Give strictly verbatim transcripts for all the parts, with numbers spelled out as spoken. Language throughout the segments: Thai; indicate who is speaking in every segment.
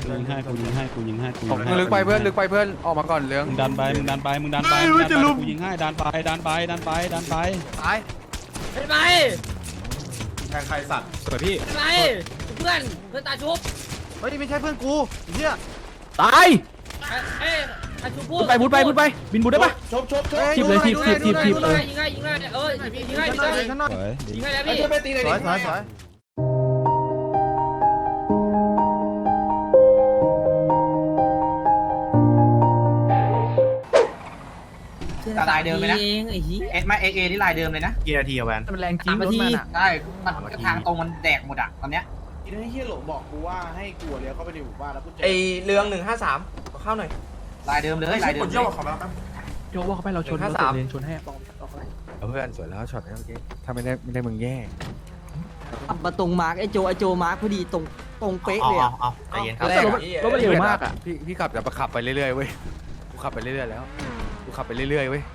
Speaker 1: กูยิงให้กูยิงให้กูยิงให้กูยิงให้
Speaker 2: มึงลึกไปเพื่อนลึกไปเพื่อนออกมาก่อนเรื่อง
Speaker 1: มึงดันไปมึงดันไปมึงดันไปมึงดันไปกูยิงให้ดันไปดันไปดันไปดันไป
Speaker 2: ตาย
Speaker 3: ไปไป
Speaker 4: แทงใครสัตว์
Speaker 1: สวยพี่
Speaker 3: ไปเพื่อนเพื่อนตาชุบ
Speaker 2: เฮ้ยไม่ใช่เพื่อนกูเฮีย
Speaker 5: ตาย
Speaker 3: เอ้ยตาชุบพูด
Speaker 5: ไปบุดไปบุดไปบินบุดได้ปะ
Speaker 4: ชบชบชบ
Speaker 5: ทีบเลยทีบทีบทีบทีบ
Speaker 3: ยิง
Speaker 5: เออ
Speaker 3: ให้ยิงให้ยิงให้เออยิงให้ยิงให้
Speaker 2: ข้างหน้าข้างหน้า
Speaker 1: สวย
Speaker 3: ยิงให้แล้ว
Speaker 4: ไอ้
Speaker 3: พี่
Speaker 4: ช่วยไปตีเลย
Speaker 2: สวยสวยสวย
Speaker 3: ลายเดิมเลยนะไอ้ฮีเอ็ดมาเอเอที่ลายเดิมเลยนะ
Speaker 2: กี่นาทีอะแวน
Speaker 5: มันแรงจริง
Speaker 3: สาม
Speaker 5: ร
Speaker 3: นา
Speaker 5: ถ
Speaker 3: ที
Speaker 5: มันอ่ะ
Speaker 3: ได้มันทางตรงมันแดกหมดอ่ะตอนเนี้ย
Speaker 4: ไอ้เฮียหลงบอกกูว่าให้กูเลี้ยวเข้าไปในหมู่บ้านแล้วกูเจอ
Speaker 6: ไอเรืองหนึ่งห้าสามเข้าหน่อย
Speaker 3: ลายเดิมเลยลายเดิม
Speaker 4: เยี่ยวขอมาแล้วแป๊บ
Speaker 5: โยกว่าเขาไปเราชน
Speaker 6: ห้า
Speaker 5: เรา
Speaker 6: สาม
Speaker 5: เลนชนให้
Speaker 6: เพื่อนสวยแล้วช็อตนี้เมื่อกี้ถ้าไม่ได้ไม่ได้มึงแย่
Speaker 7: มาตรงมาร์กไอโจไอโจมาร์กพอดีตรงตรงเป๊ะเลยอ่ะ
Speaker 6: ใจเย็นครับ
Speaker 5: รถรถมันเร็วมากอ่ะ
Speaker 6: พี่พี่ขับแต่ขับไปเรื่อยๆเว้ยกูขับไปเรื่อยๆแล้วกูขับไปเรื่อยๆเว้ย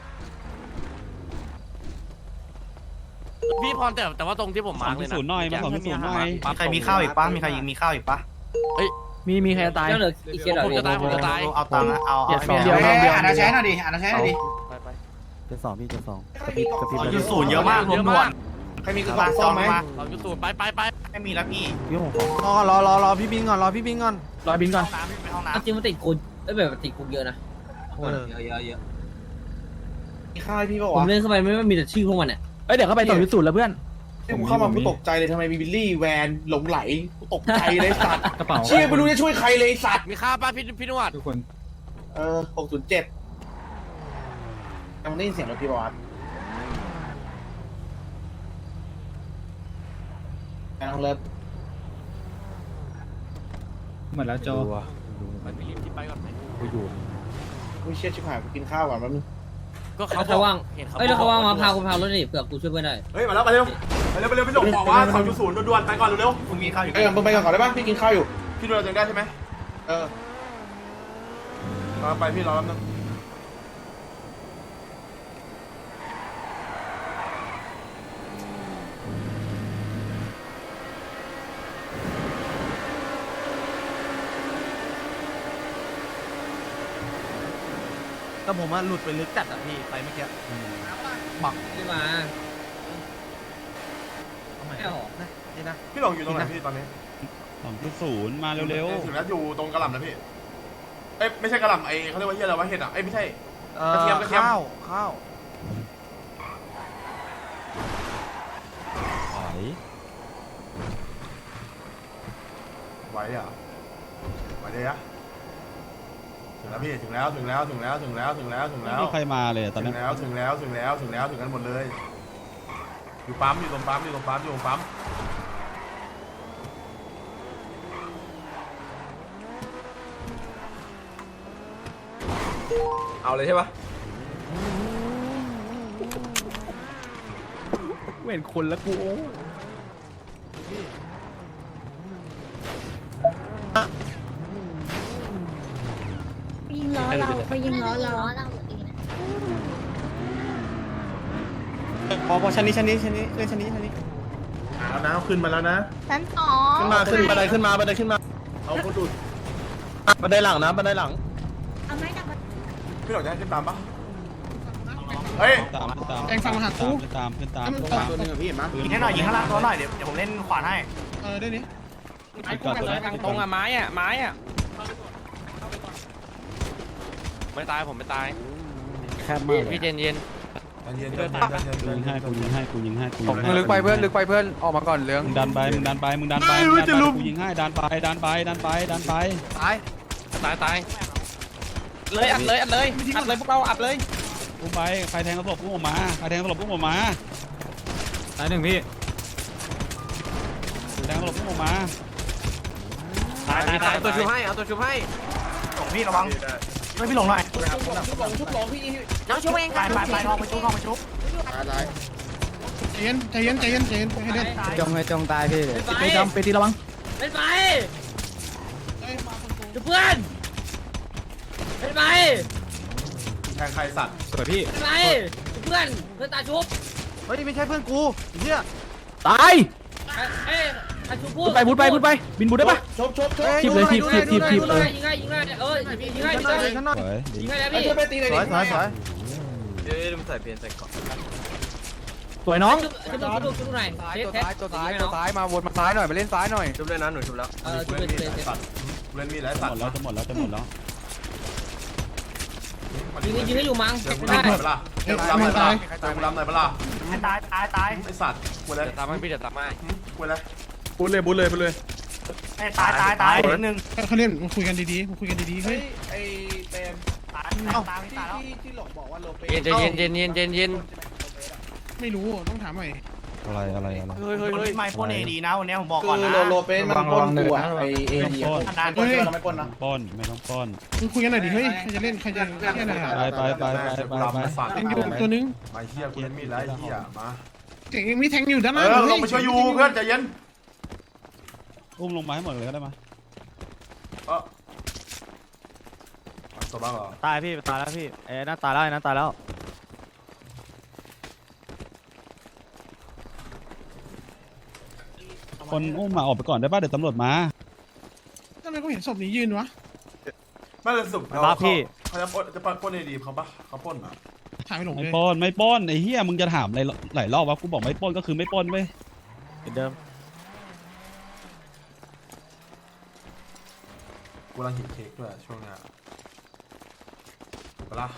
Speaker 8: พี่พรแต่แต่ว่าตรงที่ผม
Speaker 1: สอ
Speaker 8: มาง ร์กเล
Speaker 1: ที่
Speaker 8: ยนะ
Speaker 1: ศูนย์หน่อยมาสองที่ศูนย์หน่อย
Speaker 4: มีใครมีข้าวอีกปะมีใครยิงมีข้าวอีกปะ
Speaker 5: มีมีใครจะตาย
Speaker 3: เจ้าเหลืออีกเคสเหรอ
Speaker 8: ผมจะตายผมจะตาย
Speaker 4: เอาตังค์เอาเอา
Speaker 5: เดียว
Speaker 3: อ่านอาแชร์หน่อยดิอ่านอาแชร์หน่อยดิ
Speaker 1: เจ็ดสองพี่เจ็ดสองกระพริบกระพริบ
Speaker 4: อยู่ศูนย์เยอะมากรวมด่วนใครมีกระบะซ่อมไหม
Speaker 8: สองจุดศูนย์ไปไปไป
Speaker 4: ไม่มีแล้วพี่
Speaker 1: พี่หงของ
Speaker 2: รอรอรอรอพี่บินก่อนรอพี่บินก่อน
Speaker 5: รอยบินก่อน
Speaker 4: น้ำพี่ไปห้องน้
Speaker 3: จริงมันติดคุกเอ้แบบติดคุกเยอะนะเยอะเยอะเยอะ
Speaker 4: ำมีข้าวให้พี่ป่ะ
Speaker 3: ผม
Speaker 4: วะ
Speaker 3: เล่นเข้าไปไม่ว่ามีแต่ชื่อพวกมันอ่ะ
Speaker 5: เอ้ยเดี๋ยวเขาไปต่อยุทธสูตรแล้วเพื่อน
Speaker 4: ผมเข้ามากูตกใจเลยทำไมมีบิลลี่แวนหลงไหลกูตกใจเลยสัตว์
Speaker 5: กระเป๋า
Speaker 4: เชี่ยไม่รู้จะช่วยใครเลยสัตว์
Speaker 8: มีค่าป้าพี่พี่นวด
Speaker 5: ทุกคน
Speaker 4: เออหกศูนย์เจ็ดยังได้ยินเสียงรถพี่บอสไปน้องเลิฟ
Speaker 5: หมดแล้วโจ
Speaker 6: ดูวะ
Speaker 8: มันไปรีบที่ไปก่อนไหม
Speaker 6: กูอยู่
Speaker 4: กูเชี่ยชิบหายกูกินข้าวก่อนแป๊บนึง
Speaker 8: ก็
Speaker 3: เขา
Speaker 8: เขา
Speaker 3: ว่าง
Speaker 8: เห็นเขา
Speaker 3: เอ้ยแล้วเขาว่างมาพาคุณพารถดิเผื่อกูช่วยเพื่อนได้
Speaker 4: เฮ้ยมาแล้วไปเร็วไปเร็วไปเร็วพี่หลงบอกว่าสองจุดศูนย์ด่วนๆไปก่อนเร็วๆคุณมีข้าวอยู่เออมึงไปก่อนก่อนได้ปะพี่กินข้าวอยู่พี่ดูแลตัวเองได้ใช่ไหมเออรอไปพี่รอแป๊บนึงแต่ผมว่าหลุดไปลึกจัดอ่ะพี่ไปเมื่อกี้
Speaker 3: ขึ้นมาไม่หรอ
Speaker 4: นี่นะพี่หลงอยู่ตรงไหนพี่ตอนนี้
Speaker 1: สองที่ศูนย์มาเร็ว
Speaker 4: ถึงแล้วอยู่ตรงกระหล่ำนะพี่เอ้ยไม่ใช่กระหล่ำไอ้เขาเรียกว่าเฮียอะไรวะเห็ดอ่ะเอ้ยไม่ใช่
Speaker 2: เอ่อก
Speaker 4: ระเทียมกระเทียม
Speaker 2: ข้าวข้าว
Speaker 1: ๆถอย
Speaker 4: ไหวอ่ะไหวเลยอะถึงแล้วพี่ถึงแล้วถึงแล้วถึงแล้วถึงแล้วถึงแล้วถึง
Speaker 1: ไม่
Speaker 4: แล้ว
Speaker 1: มีใครมาเลยตอน
Speaker 4: ถึ
Speaker 1: นี้
Speaker 4: งแล้วถึงแล้วถึงแล้วถึงแล้วถึงกันหมดเลยอยู่ปั๊มอยู่ตรงปั๊มอยู่ตรงปั๊มอยู่ตรงปั๊ม
Speaker 6: เอาเลยใช่ปะ
Speaker 5: เห็นคนแล้วกูโอ้
Speaker 9: ยิงล้อเราไปยิงล้อเรา
Speaker 2: พอพอชั้นนี้ชั้นนี้ชั้นนี้เล่นชั้นนี้ชั้นนี้
Speaker 4: แล้วนะขึ้นมาแล้วนะ
Speaker 9: ชั้นสอง
Speaker 2: ขึ้นมาขึ้นบันไดขึ้นมาบันไดขึ้นมา
Speaker 4: เอาคนดูด
Speaker 2: บันไดหลังนะบันไดหลัง
Speaker 9: เอาไม้ดับ
Speaker 4: พี่หลงจะให้ขึ้นตามปะเฮ้ย
Speaker 1: ตามขึ้นตามเองฟังมาหากูขึ้นตามขึ้นตามขึ้นตาม
Speaker 2: ตัวนึงอะพี่เห็นปะ
Speaker 4: ยิงให้หน่อยยิงข้างล่างตัวหน่อยเดี๋ยวเดี๋ยวผมเล่นขวานให้
Speaker 2: เออได้นี้
Speaker 8: ไอ้คู่กันเลยทางตรงอ่ะไม้อ่ะไม้อ่ะไม่ตายผมไม่ตาย
Speaker 1: แคบมากเลย
Speaker 8: พี่เย็นเย็น
Speaker 4: เย็น
Speaker 1: กูยิงให้กูยิงให้กูยิงให้กูยิง
Speaker 2: มึ
Speaker 1: ให้
Speaker 2: งลึกไปเพื่อนลึกไปเพื่อนออกมาก่อนเรื่อง
Speaker 1: มึงดันไปมึงดันไปมึงดันไปมึงดันไปกูยิงให้ดันไปดันไปดันไปดันไป
Speaker 2: ตาย
Speaker 8: ตายตายเลยอัดเลยอัดเลยอัดเลยพวกเราอัดเลย
Speaker 1: กูไปใครแทงกระสอบพุ่งออกมาใครแทงกระสอบพุ่งออกมา
Speaker 5: ตายหนึ่งพี่
Speaker 1: แทงกระสอบพุ่งออกมา
Speaker 8: ตายตายตาย
Speaker 6: เอาตัวชุบให้เอาตัวชุบให้
Speaker 4: หลงพี่ระวังช่วยพี่หลงหน่อย
Speaker 9: น้องช่วยเอง
Speaker 4: ไป
Speaker 9: ค่ะ
Speaker 4: ไปไปทองไปชุบทองไปชุบ
Speaker 2: ใจเย็นใจเย็นใจเย็นใจเย็นให้เดิน
Speaker 5: จงให้จงตายพี่
Speaker 3: ไป
Speaker 5: ไปจำไปตีระวัง
Speaker 3: ไปไปเพื่อนไปไป
Speaker 4: แทงใครสัตว์
Speaker 5: สวยพี่
Speaker 3: ไปเพื่อนเพื่อนตาชุบ
Speaker 2: เฮ้ยไม่ใช่เพื่อนกูเฮีย
Speaker 5: ตาย
Speaker 3: เอ้ยต
Speaker 5: พูดไปพูดไปพูดไปบินบูดได้ปะ
Speaker 4: ชบชบชบ
Speaker 5: ทีบเลยทีบทีบทีบทีบเออ
Speaker 8: ยิงง่ายยิงง่ายเออยิงง่ายยิงง่าย
Speaker 1: สวย
Speaker 8: ยิงง่ายแล้วพี่
Speaker 4: ช่วยไปตีเลย
Speaker 6: สวยสวยสวย
Speaker 5: สวยน้อง
Speaker 8: ชุบชุบชุบหน่อย
Speaker 6: ซ้าย
Speaker 8: เทส
Speaker 6: ตัว
Speaker 8: เทส
Speaker 6: ซ้ายตัวซ้ายตัวซ้ายมาวนมาซ้ายหน่อยมาเล่นซ้ายหน่อย
Speaker 4: ชุบเลยนะหนูชุบแล้ว
Speaker 8: เออชุบเลยชุบเลย
Speaker 4: สัตว์เล่นมีหลาย
Speaker 1: จะ
Speaker 4: สั
Speaker 1: ห
Speaker 4: ต
Speaker 1: มด
Speaker 4: ว์
Speaker 1: แล้วจะหมดแล้วจะหมดแล้ว
Speaker 8: ยิงยิงให้อยู่มั้ง
Speaker 4: เดี๋ยวกู
Speaker 8: ไม่
Speaker 4: รำห
Speaker 8: ได้
Speaker 4: น่อยเปล่าเดี๋ยวกูรำหน่อยเปล่าเดี๋ยวกูรำหน่อยเปล่า
Speaker 3: ตายตายตาย
Speaker 4: ไอสัตว์กูเลย
Speaker 6: เดี๋ยวตามให้พี่เดี๋ยวตามให้
Speaker 4: กูเลย
Speaker 2: บูเลยบูเลยบูเลย
Speaker 3: ตายตายตายนิดนึง
Speaker 2: เขาเล่นมาคุยกันดีๆมาคุยกันดีๆเฮ้ย
Speaker 4: ไอเต็ม
Speaker 3: ตายตายตายแล้ว
Speaker 4: ที่หลงบอกว่าโลเป
Speaker 6: เย็นเย็นเย็นเย็นเย็นเย็น
Speaker 2: ไม่รู้ต้องถามหน่อย
Speaker 1: อะไรอะไรอะไร
Speaker 6: เฮ้ยเฮ้ย
Speaker 3: คน
Speaker 6: เฮ้ย
Speaker 3: ที่ไม่พ่นเอดีนะวันนี้ผมบอก
Speaker 4: คื
Speaker 3: ก่อน
Speaker 4: อ
Speaker 3: นะ
Speaker 4: โลโลเปนมันปล้นตัวไอเอ
Speaker 1: ไม่
Speaker 4: ดี
Speaker 1: ต้องปล้น
Speaker 3: นาน
Speaker 4: ปล้นเราไม่ปล้นนะ
Speaker 1: ปล้นไม่ต้องปล้น
Speaker 2: มึงคุยกันหน่อยดิเฮ้ยใครจะเล่นใครจะแค่ไหนอ่ะ
Speaker 1: ไปไปไปไปไปไป
Speaker 4: สัตว์
Speaker 2: ยังอยู่ตัวนึง
Speaker 4: มาเฮียกูเล่นมีดแล้วเฮียมา
Speaker 2: เจ๋งยังมีแทงอยู่ด้านห
Speaker 4: เอ
Speaker 2: น้า
Speaker 4: อลงไปช่วยยูเพื่อนใจเย็น
Speaker 1: อุ้มลงมาให้หมดเลยก็ได้มา
Speaker 4: เออตัวบ้าเหรอ
Speaker 5: ตายพี่ตายแล้วพี่เอ้น่าตายแล้วน่าตายแล้ว
Speaker 1: คนอุ้มมาออกไปก่อนได้ป่ะเดี๋ยวตำรวจมา
Speaker 2: ทำไมเขาเห็นศพนี้ยืนวะ
Speaker 4: ไม่เลยสุดเขาเขาจะปล้นจะปล้นเอดีเขาปะเขาปล้นอ่ะ
Speaker 2: ถ่ายไม่หลง
Speaker 1: ไม่
Speaker 2: เลย
Speaker 1: ปล้นไม่ปล้นไอ้เหี้ยมึงจะถามอะไรหลายรอบวะกูบอกไม่ปล้นก็คือไม่ปล้นเว้ย
Speaker 5: เหมือนเดิม
Speaker 4: กูกำลังหิวเค้กด้วยช่วงนี้เวลา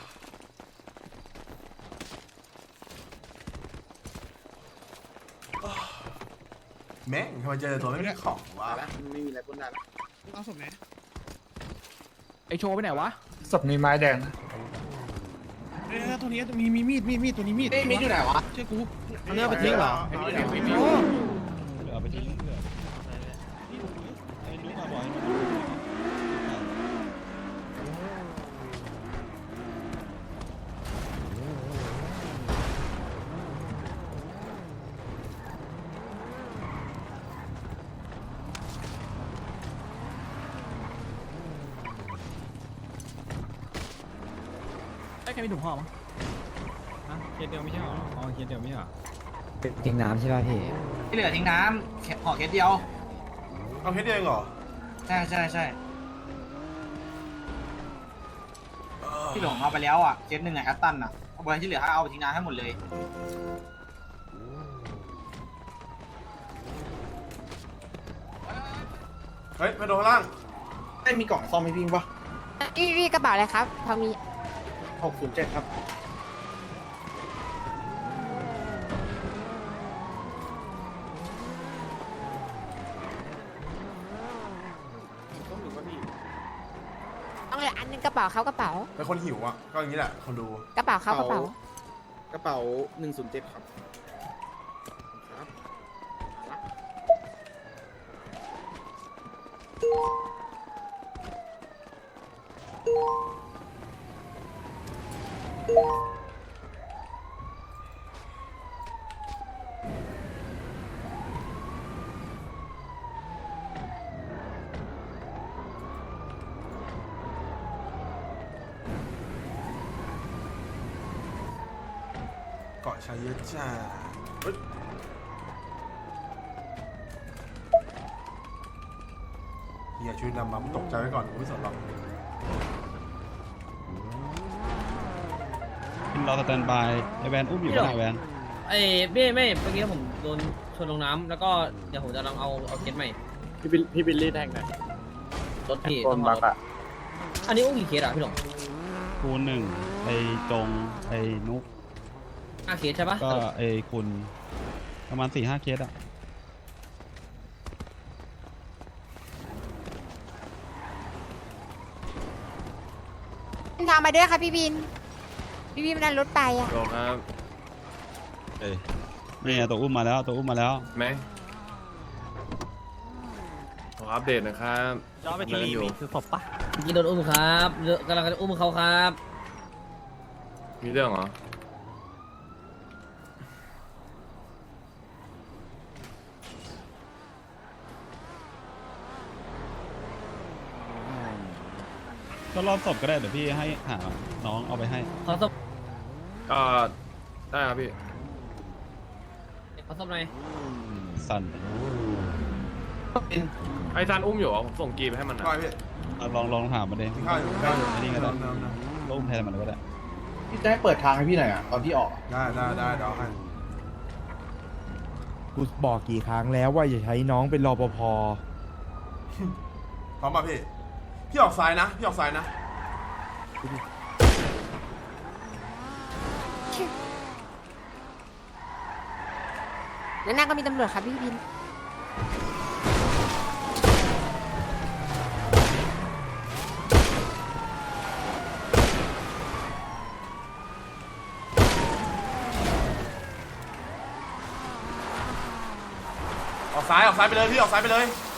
Speaker 4: แม่งทำไมเจอตัวไม่มีของวะ
Speaker 2: เอาศพไหน
Speaker 5: ไอโชว์ไปไหนวะ
Speaker 2: เออตัวนี้มีมีมีดมีดมีดตัวนี้มีดมีดอยู่ไหนวะเชื่อกู
Speaker 5: เลือกไปทิ้งเหรอ
Speaker 1: เอาไปทิ้งเพื่อไอ้นุ๊กมาบอกให้
Speaker 5: ไอ้ใครมีถุงห่อมั้งฮะเคสเดียวไม่ใช่เหรออ๋อเคสเดียวไม่ใช่เหรอ
Speaker 7: ทิ้งน้ำใช่ป่ะพี่
Speaker 3: ที่เหลือทิ้งน้ำห่อเคสเดียว
Speaker 4: เอาเฮ็ดเองเหรอ
Speaker 3: ใช่ใช่ใช่ที่หลงเอาไปแล้วอ่ะเคสหนึ่งอ่ะแอตตันอ่ะเอาไปที่เหลือเอาไปทิ้งน้ำให้หมดเลย
Speaker 4: เฮ้ยไปโดนข้างล่าง
Speaker 7: ไม่มีกล่องซ่อมให้พี่ปะ
Speaker 9: พี่พี่กระเป๋าอะไรครับพอมี
Speaker 7: หกศูนย์เจ็ดครับ
Speaker 9: ต้องเลยอันหนึงกระเป๋าเขากระเป๋า
Speaker 4: เป็นคนหิวอ่ะก็อย่างนี้แหละคนดู
Speaker 9: กระเป๋าเขากระเป๋า
Speaker 7: กระเป๋าหนึ่งศูนย์เจ็ดครับ
Speaker 4: เกาะชายเยอะจ้าเฮ้ยเฮียช่วยนำมาตกใจไว้ก่อนกูไม่สนหรอก
Speaker 1: รอสแตนบายไอแวนอุ้มอยู่ข้างในแวน
Speaker 8: ไอ้ไม่ไม่เมื่อกี้ผมโดนชนลงน้ำแล้วก็เดี๋ยวผมจะลองเอาเอาเคสใหม่
Speaker 5: พี่บิลพี่บิลลี่แทงหน่อย
Speaker 8: รถพี่ต้องเอารถอันนี้อุ้งกี่เคสอ่ะพี่หลง
Speaker 1: คูณหนึ่งไอจงไอนุก
Speaker 8: ห้าเคสใช่ปะ
Speaker 1: ก็ไอคุณประมาณสี่ห้าเคสอะ
Speaker 9: ทางมาด้วยค่ะพี่บิน พี่บินมันนั่งรถไปอ่ะ
Speaker 6: โดครับ
Speaker 1: เอ้ยนี่ไงตัวอุ้มมาแล้วตัวอุ้มมาแล้ว
Speaker 6: แม่ขออัปเดตนะครับ
Speaker 5: ย้อนไปที่รีมีคือศพปะ
Speaker 8: เมื่อกี้โดนอุ้มครับเดี๋ยวกำลังจะอุ้มเขาครับ
Speaker 6: มีเรื่องเหรอ
Speaker 1: ก็รอบศพก็ได้เดี๋ยวพี่ให้หาน้องเอาไปให้
Speaker 8: ขอศพ
Speaker 6: ก็ได้ครับพี่
Speaker 8: ขอศพหน่อย
Speaker 1: สั่น
Speaker 4: ไอ้ซานอุ้มอยู่เหรอผมส่งกีไปให้มันนะ
Speaker 1: ลองลองถามมาดิ
Speaker 4: ข้าวอยู่ข้าวอยู่
Speaker 1: ไอ้นี่ก็ได้ก็อุ้มแทนมันก็ได้
Speaker 2: พี่แจ๊คเปิดทางให้พี่หน่อยอ่ะตอนพี่ออก
Speaker 4: ได้ได้ได้เดี๋ยวให้
Speaker 10: กูบอกกี่ครั้งแล้วว่าอย่าใช้น้องเป็นรปภ
Speaker 4: พร้อมป่ะพี่พี่ออกซ้ายนะพี่ออกซ้ายนะ
Speaker 9: แล้วหน้าก็มีตำรวจค่ะพี่บิน
Speaker 4: ออกซ้ายออกซ้ายไปเลยพี่ออกซ้ายไปเลย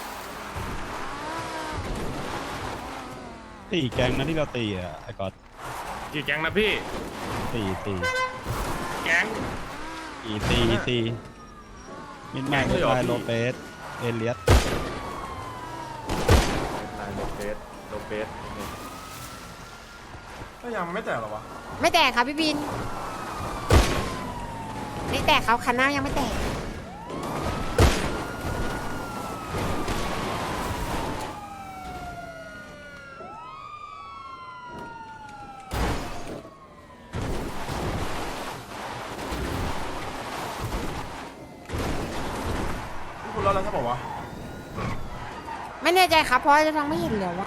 Speaker 1: ตีแก๊งนะที่เราตีอ่ะไอ้ก๊อต
Speaker 4: กี่แก๊งนะพี่
Speaker 1: ตีตี
Speaker 4: แก๊ง
Speaker 1: ตีตีตีมิดแมน
Speaker 4: แก๊งเลยเหรอ
Speaker 1: ไล
Speaker 4: พี่
Speaker 1: โลเปสเอเลียส
Speaker 4: โลเปสโลเปสก็ยังไม่แตกหรอวะ
Speaker 9: ไม่แตกค่ะพี่บิน ไม่แตกเขาคันหน้ายังไม่แตก
Speaker 4: พี่คุณรอดแล้วใช่ป่าววะ
Speaker 9: ไม่แน่ใจครับเพราะจะทองไม่เห็นเลยว่า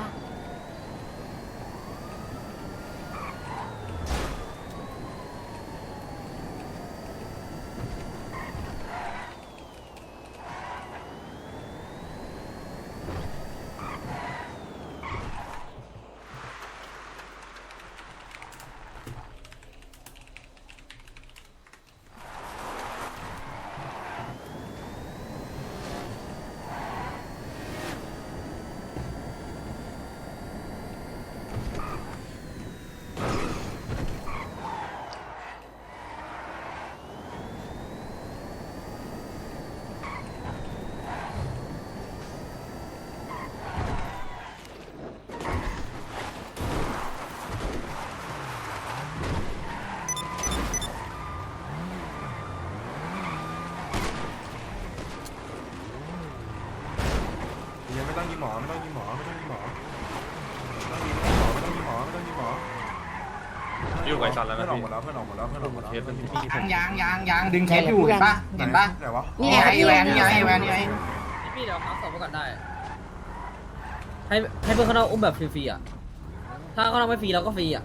Speaker 4: ยังไม่ต้องยิงหมอไม่ต้องยิงหมอไม่ต้องยิงหมอไม่ต้องยิงหมอไม่ต้องยิงหมอไม่ต้องยิงหมออยู่ไกลสันแล้วนะพี่เพื่อนออกหมดแล้วเพื่อนออกหมดแล้วเพื่อนออกหมดแล้ว
Speaker 3: ยางยางยางดึงเคสอยู่เห็นปะเห็นปะ
Speaker 4: ไหนวะ
Speaker 9: นี่
Speaker 3: นี่
Speaker 9: ไง
Speaker 3: ไงไอแวนนี่ไงไอแวนนี่ไง
Speaker 5: พี่เดี๋ยวพักสอบก่อนได้ ให้ให้เพื่อนเขาเราอุ้มแบบฟรีๆอ่ะ ถ้าเขาเราไม่ฟรีเราก็ฟรีอ่ะ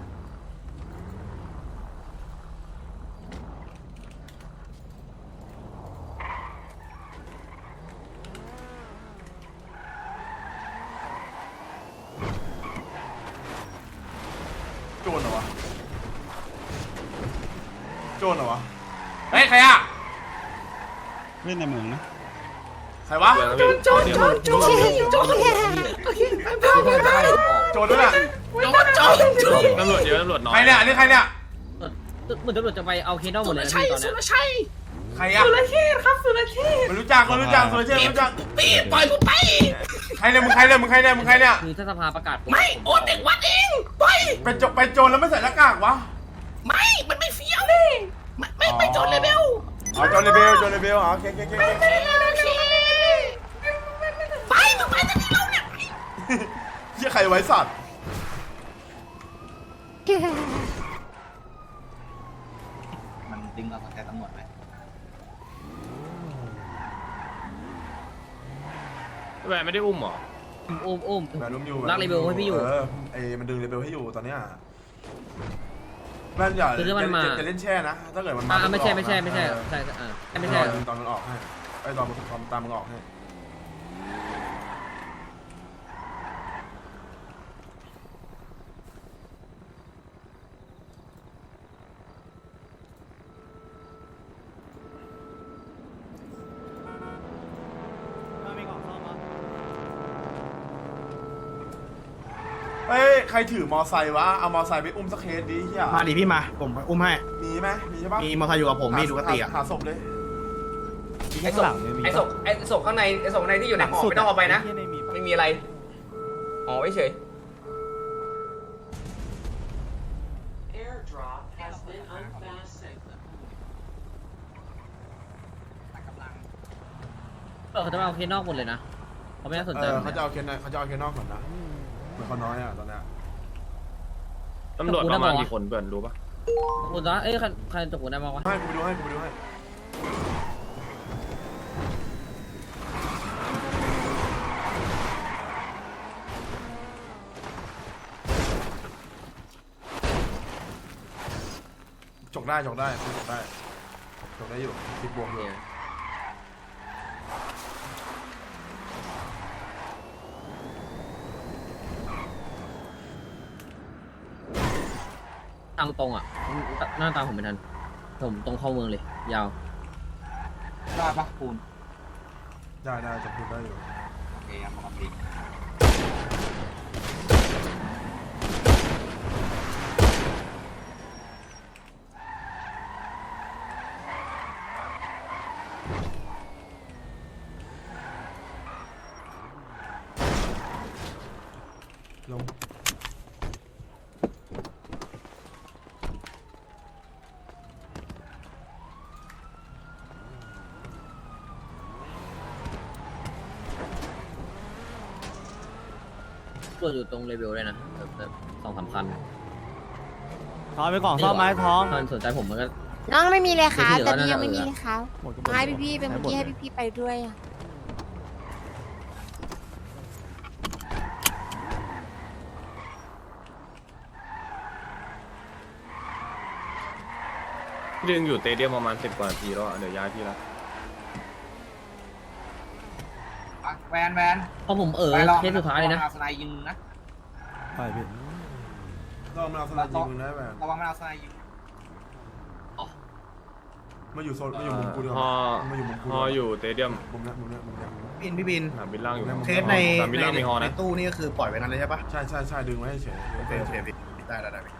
Speaker 4: โจรเหรอวะโจรเหรอวะเฮ้ยใครอะ
Speaker 1: เล่นในเมืองนะ
Speaker 4: ใครวะ
Speaker 1: โจนโจนโจนโจน
Speaker 4: โจรด้วยอะ
Speaker 6: ตำรวจเยอะตำรวจน้อย
Speaker 4: ใครเนี่ยอันนี้ใครเนี่ย
Speaker 5: เหมือนตำรวจจะไปเอาเคสนอกหมดเลยนะพี่ตอนเนี้ย
Speaker 4: ใครอะสุรเชษครับสุรเชษไม่รู้จักไม่รู้จักสุรเชษไม่รู้จักปีปล่อยกูไปใครเนี่ยมึงใครเนี่ยมึงใครเนี่ยมึงใครเนี่ย
Speaker 5: คือถ้าสภาประกาศ
Speaker 3: ไม่โอนเด็กวัดเองไป
Speaker 4: ไปโจไปโจรแล้วไม่ใส่หน้ากากวะ
Speaker 3: ไม่มันไม่เฟี้ยวเลยไม่ไม่ไม่โจนเลเบล
Speaker 4: อ๋อโจรเลเบลโจรเลเบลอ๋อโอเคโอเคโอเค
Speaker 3: ไปมึงไปจะที่เราเนี่ย
Speaker 4: เหี้ยใครไว้สัตว์
Speaker 3: มันดึงเราแต่ตำรวจไหม
Speaker 6: แหวนไม่ได้อุ้มหรอ
Speaker 5: อุ้มอุ้ม
Speaker 4: แมนอุ้มอยู่
Speaker 5: รักเลเบลให้พี่อยู่
Speaker 4: เออไอ้มันดึงเลเบลให้อยู่ตอนเนี้ยแม่นอย่า
Speaker 5: คือถ้ามันมา
Speaker 4: จะเล่นแช่นะถ้าเกิดมันมา
Speaker 5: อ่าไม่ใช่ไม่ใช่
Speaker 4: ออกนะ
Speaker 5: ไม่ใช่
Speaker 4: เออ
Speaker 5: ใช่อ่าไม่
Speaker 4: ไม่
Speaker 5: ใช่
Speaker 4: ใช่ตอนมันออกให้ไอ้ตอนตอนตามมันออกให้ เฮ้ยใครถือมอไซค์วะเอามอไซค์ไปอุ้มสักเคสดิเฮีย
Speaker 2: มาดิพี่มาผมอุ้มให้
Speaker 4: มีไหมมีใช่ปะ
Speaker 2: มีมอเตอร์ไซค์อยู่กับผมมีดูกติอ่ะ
Speaker 4: หาศพเลย
Speaker 10: ไอ้ศพไอ้ศพไอ้ศพข้างในไอ้ศพข้างในที่อยู่ในห่อไม่ต้องเอาไปนะ ไม่มีอะไรอ๋อไว้เฉย
Speaker 5: เออเขาจะมาเอาเคสนอกหมดเลยนะเขาไม่น่าสน
Speaker 4: เอ
Speaker 5: ใจ
Speaker 4: อเขาจะเอาเคนในเขาจะเอาเคนนอกก่อนนะเหมือนเขาน้อยอ่ะตอนเนี้ย
Speaker 5: ตำรวจประมาณกี่คนเพื่อนรู้ปะกูนะเอ้ยใครใครตกกูได้มาวะ
Speaker 4: ให้กูไปดูให้กูไปดูให้จกได้จกได้จกได้จกได้อยู่ติดบวกอยู่
Speaker 5: ทางตรงอ่ะหน้าตาผมเป็นทันผมตรงเข้าเมืองเลยยาว
Speaker 3: ได้ปะปูน
Speaker 4: ได้ได้จกได้อยู่
Speaker 3: โอเคครับปกติ
Speaker 4: ลง
Speaker 5: ตัวอยู่ตรงเลเวลเลยนะแบบสองสามคัน
Speaker 6: ท้องไปกล่องซ่อมไม้ท้อง
Speaker 5: ถ้าสนใจผมมันก็
Speaker 9: น้องไม่มีเลยค่ะ
Speaker 5: เดี๋ยว
Speaker 9: ตอนนี้
Speaker 5: เดี๋ยว
Speaker 9: ยังไม่มี
Speaker 5: เดี๋ยว
Speaker 9: เลยค่ะให้พี่พี่ๆเป็นเมื่อกี้ให้พี่พี่ๆไปด้วยอ่ะ
Speaker 10: ดึงอยู่เตเดียมประมาณสิบกว่านาทีแล้วเดี๋ยวย้ายพี่ละ
Speaker 3: แวนแวน
Speaker 5: เพราะผมเออ
Speaker 3: ไปลอง
Speaker 5: เคสสุดท้ายเลยนะ
Speaker 3: ระวังสไนยิงนะ
Speaker 6: ไปพี่
Speaker 4: ลองมาเอาสลัดยิงมึงได้ไหม
Speaker 3: ระวังมันเอาสไนยิง
Speaker 4: มาอยู่โซนมาอยู่มุมกูดีก
Speaker 10: ฮอ
Speaker 4: ว่ามาอยู่มุมกู
Speaker 10: ฮออยู่เตเดียม
Speaker 4: มุมเนี้ยมุมเนี้ยมุมเนี้ย
Speaker 2: บินพี่บิน
Speaker 10: สนามบินล่างอยู่
Speaker 2: เคสใน
Speaker 10: สนามบิน
Speaker 2: ใน
Speaker 10: ล่างมีฮอ
Speaker 2: ใน
Speaker 10: นะ
Speaker 2: ตู้นี่ก็คือปล่อยไว้นั้นเลยใช่ปะ
Speaker 4: ใช่ใช่ใช่ดึงไว้ให้เฉย
Speaker 2: โอเคโอเคพี่ได้ได้ได้พี่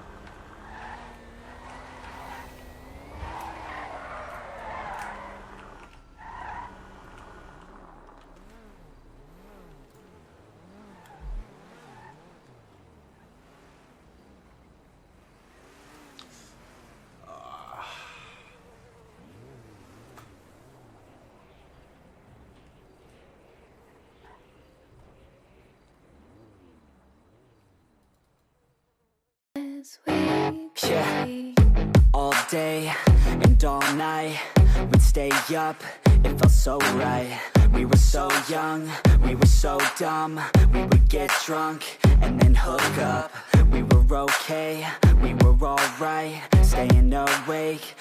Speaker 7: Yeah, all day and all night we'd stay up, it felt so right. We were so young, we were so dumb. We would get drunk and then hook up. We were okay, we were alright, staying awake